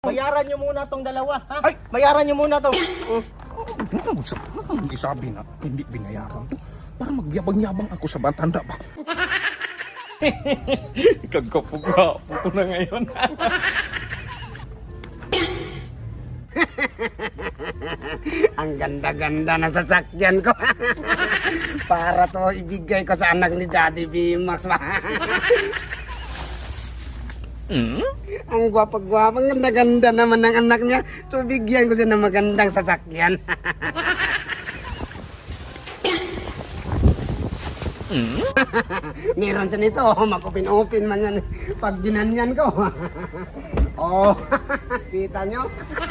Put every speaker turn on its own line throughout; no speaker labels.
Bayaran nyo muna tong dalawa, ha?
Ay!
Bayaran nyo muna to.
Isabi na, hindi binayaran to. Para magyabang-yabang ako sa batanda ba?
Kagkapugwapo ko na ngayon.
Ang ganda-ganda na sasakyan ko. Para to ibigay ko sa anak ni Daddy Bimax. Ang gwapa-gwapa, ang ganda-ganda naman ng anak niya. So bigyan ko siya ng magandang sasakyan. Meron siya nito, makupin-upin man yan pag binanyan ko. Oh, kita nyo?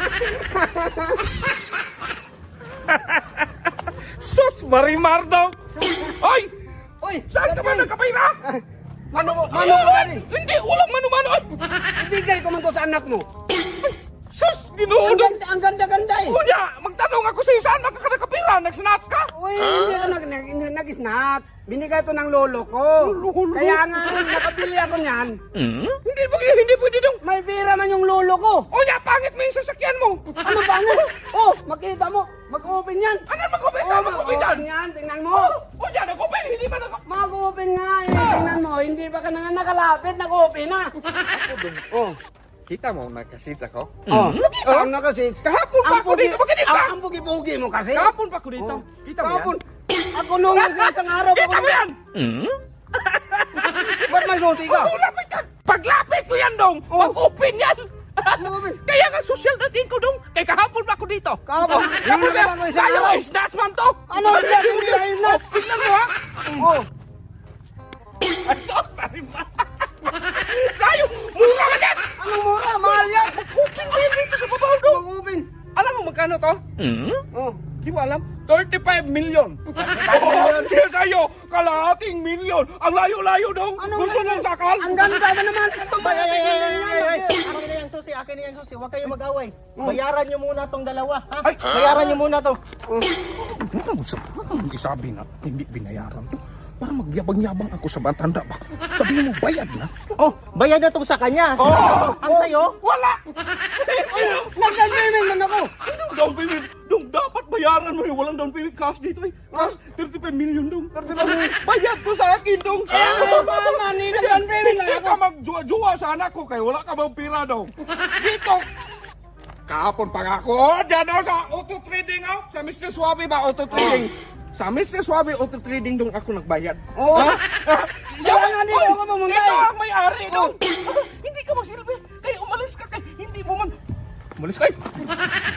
Sus, Marimar daw! Ay!
Uy,
Saan ka ba nagkapira?
Mano ko rin.
Hindi, walang mano-mano! Ay!
Ibigay ko man to sa anak mo.
Sus, ginuudong!
Ang ganda-ganda eh.
Kuya, magtanong ako sa'yo, saan ka nakapira? Nag-snatch ka?
Uy, hindi ako nag-snatch. Binigay to ng lolo ko.
Lolo?
Kaya nga, nakapili ako niyan.
Hindi pwede dong!
May pera man yung lolo ko.
Kuya, pangit mo yung sasakyan mo!
Ano ba nga? Oh, makita mo. Mag-open yan.
Ano mag-open ka? Mag-open yan!
yan. Tingnan mo.
Kuya, nag-open! Hindi ba nag-
Mag-open nga eh. Tingnan mo. Hindi pa ka na nakalapit. Nag-open na. Oh.
Kita mo, nagkasit ako?
Oh. Nakita mo na kasi.
Kahapon pa ako dito, bakit ka?
Ang pugi-pugi mo kasi.
Kahapon pa ako dito. Kita mo yan?
Kahapon. Ako nung isang araw.
Kita mo yan!
Ba't may susi ka?
Lapit ka! Paglapit ko yan, dong! Mag-open yan! Kaya nga social dating ko, dong! Kaya kahapon pa ako dito!
Kahapon?
Tapos
Hindi na ba isang
sa'yo,
araw?
snatch man to!
Ano yan? Hindi na inat.
Tignan mo, ha?
Oh.
Ay, sorry, ma! Sa'yo, mura ka yan!
Anong mura? Mahal yan.
Open mo yan dito sa babaw, dong!
Mag-open.
Alam mo magkano to?
Oh.
Di mo alam? 35 million! Oh, kaya sa'yo, kalahating million! Ang layo-layo, dong! Gusto ng sakal?
Ang ganda ba naman? Ito ba?
Akin na yung susi, akin na yung susi. Huwag kayo mag-away. Bayaran nyo muna tong dalawa, ha?
Ay!
Bayaran nyo muna to.
Isabi na, hindi binayaran to. Para magyabang-yabang ako sa batanda ba? Sabihin mo, bayad na.
Oh, bayad na tong sa kanya. Ang sayo?
Wala!
Nag-agreement man ako.
Anong down payment? Dong, dapat bayaran mo yung walang down payment cash dito eh. Cash, 35 million dong. 35 million. Bayad to sa akin dong.
Mama, nag-agreement lang
Hindi
ako.
ka magjuwa-juwa sa anak ko kaya wala ka bang pira dong. Dito. Kahapon pa nga ako. Oh, dyan ako sa auto trading oh. Sa Mr. Suave ba auto trading? Sa Mr. Suave auto trading dong ako nagbayad.
Oo.
Ha?
Siya nga dito ako mamuntay.
Ito ang may-ari dong. Hindi ka magsilbi. Kaya umalis ka kay hindi mo man. Umalis ka.